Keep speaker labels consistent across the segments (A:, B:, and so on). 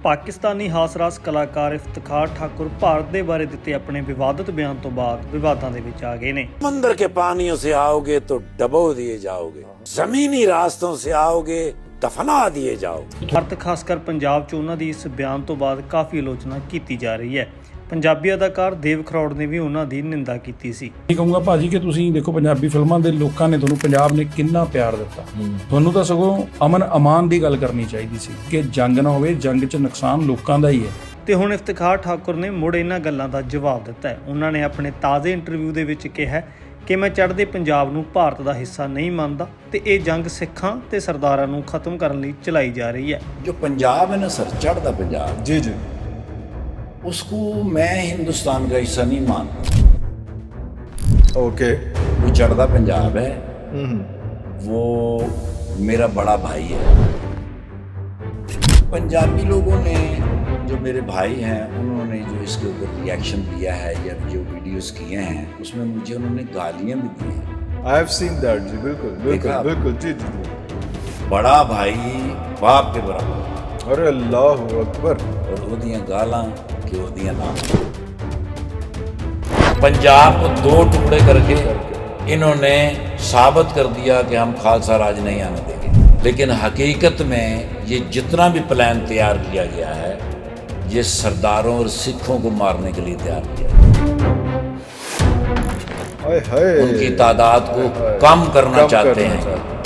A: ਪਾਕਿਸਤਾਨੀ ਹਾਸਰਾਸ ਕਲਾਕਾਰ ਇਫਤਖਾਰ ਠਾकुर ਭਾਰਤ ਦੇ ਬਾਰੇ ਦਿੱਤੇ ਆਪਣੇ ਵਿਵਾਦਤ ਬਿਆਨ ਤੋਂ ਬਾਅਦ ਵਿਵਾਦਾਂ ਦੇ ਵਿੱਚ ਆ ਗਏ ਨੇ।
B: समंदर के पानियों से आओगे तो डबो दिए जाओगे, जमीनी रास्तों से आओगे दफना दिए जाओगे।
A: ਭਾਰਤ ਖਾਸ ਕਰ ਪੰਜਾਬ 'ਚ ਉਹਨਾਂ ਦੀ ਇਸ ਬਿਆਨ ਤੋਂ ਬਾਅਦ ਕਾਫੀ ਆਲੋਚਨਾ ਕੀਤੀ ਜਾ ਰਹੀ ਹੈ। ਪੰਜਾਬੀ ਅਦਾਕਾਰ ਦੇਵ ਖਰੋੜ ਨੇ ਵੀ ਉਹਨਾਂ ਦੀ ਨਿੰਦਾ ਕੀਤੀ ਸੀ।
C: ਇਹ ਕਹੂੰਗਾ ਭਾਜੀ ਕਿ ਤੁਸੀਂ ਦੇਖੋ ਪੰਜਾਬੀ ਫਿਲਮਾਂ ਦੇ ਲੋਕਾਂ ਨੇ ਤੁਹਾਨੂੰ ਪੰਜਾਬ ਨੇ ਕਿੰਨਾ ਪਿਆਰ ਦਿੱਤਾ, ਤੁਹਾਨੂੰ ਤਾਂ ਸਗੋਂ ਅਮਨ ਅਮਾਨ ਦੀ ਗੱਲ ਕਰਨੀ ਚਾਹੀਦੀ ਸੀ ਕਿ ਜੰਗ ਨਾ ਹੋਵੇ, ਜੰਗ 'ਚ ਨੁਕਸਾਨ ਲੋਕਾਂ ਦਾ ਹੀ ਹੈ। ਤੇ ਹੁਣ ਇਫਤਖਾਰ ਠਾकुर ਨੇ ਮੁੜ ਇਹਨਾਂ ਗੱਲਾਂ ਦਾ ਜਵਾਬ ਦਿੱਤਾ ਹੈ। ਉਹਨਾਂ ਨੇ ਆਪਣੇ ਤਾਜ਼ੇ ਇੰਟਰਵਿਊ ਦੇ ਵਿੱਚ ਕਿਹਾ ਕਿ ਮੈਂ ਚੜ੍ਹਦੇ ਪੰਜਾਬ ਨੂੰ ਭਾਰਤ ਦਾ ਹਿੱਸਾ ਨਹੀਂ ਮੰਨਦਾ ਤੇ ਇਹ ਜੰਗ ਸਿੱਖਾਂ ਤੇ ਸਰਦਾਰਾਂ ਨੂੰ ਖਤਮ ਕਰਨ ਲਈ ਚਲਾਈ ਜਾ ਰਹੀ ਹੈ।
D: जो पंजाब है ना सर, चढ़ता पंजाब,
E: जी जी,
D: उसको मैं हिंदुस्तान का हिस्सा नहीं मानता।
E: ओके,
D: वो चढ़ता पंजाब है, वो मेरा बड़ा भाई है। पंजाबी लोगों ने, जो मेरे भाई हैं, उन्होंने जो इसके ऊपर रिएक्शन दिया है या जो वीडियोस किए हैं उसमें मुझे उन्होंने गालियां भी दी हैं।
E: आई हैव सीन दैट जी, बिल्कुल बिल्कुल
D: देखा?
E: बिल्कुल, जी जी जी।
D: बड़ा भाई बाप के बराबर
E: अरे अल्लाह अकबर।
D: और ओदियां गालां कि ओदियां नाम। पंजाब को दो टुकड़े करके इन्होंने साबित कर दिया कि हम खालसा राज नहीं आने देंगे, लेकिन हकीकत में ये जितना भी प्लान तैयार किया गया है ये सरदारों और सिखों को मारने के लिए तैयार किया गया।
E: हाय हाय,
D: उनकी तादाद को कम करना चाहते हैं।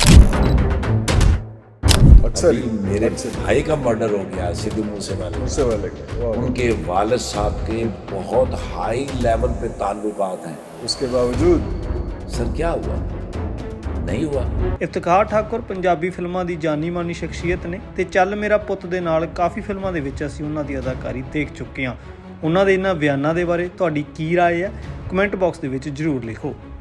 E: अक्सर
D: अभी मेरे भाई का मर्डर हो गया सिद्धू मूसेवाले,
E: उससे वाले का, वाह।
D: उनके वालिद साहब के बहुत हाई लेवल पे ताल्लुकात हैं।
E: उसके बावजूद
D: सर क्या हुआ? नहीं हुआ।
A: ਇਫਤਖਾਰ ਠਾकुर ਪੰਜਾਬੀ ਫਿਲਮਾਂ ਦੀ ਜਾਨੀ ਮਾਨੀ ਸ਼ਖਸੀਅਤ ਨੇ ਤੇ ਚੱਲ ਮੇਰਾ ਪੁੱਤ ਦੇ ਨਾਲ ਕਾਫੀ ਫਿਲਮਾਂ ਦੇ ਵਿੱਚ ਅਸੀਂ ਉਹਨਾਂ ਦੀ ਅਦਾਕਾਰੀ ਦੇਖ ਚੁੱਕੇ ਹਾਂ। ਉਹਨਾਂ ਦੇ ਇਹਨਾਂ ਬਿਆਨਾਂ ਦੇ ਬਾਰੇ ਤੁਹਾਡੀ ਕੀ ਰਾਏ ਹੈ? ਕਮੈਂਟ ਬਾਕਸ ਦੇ ਵਿੱਚ ਜ਼ਰੂਰ ਲਿਖੋ।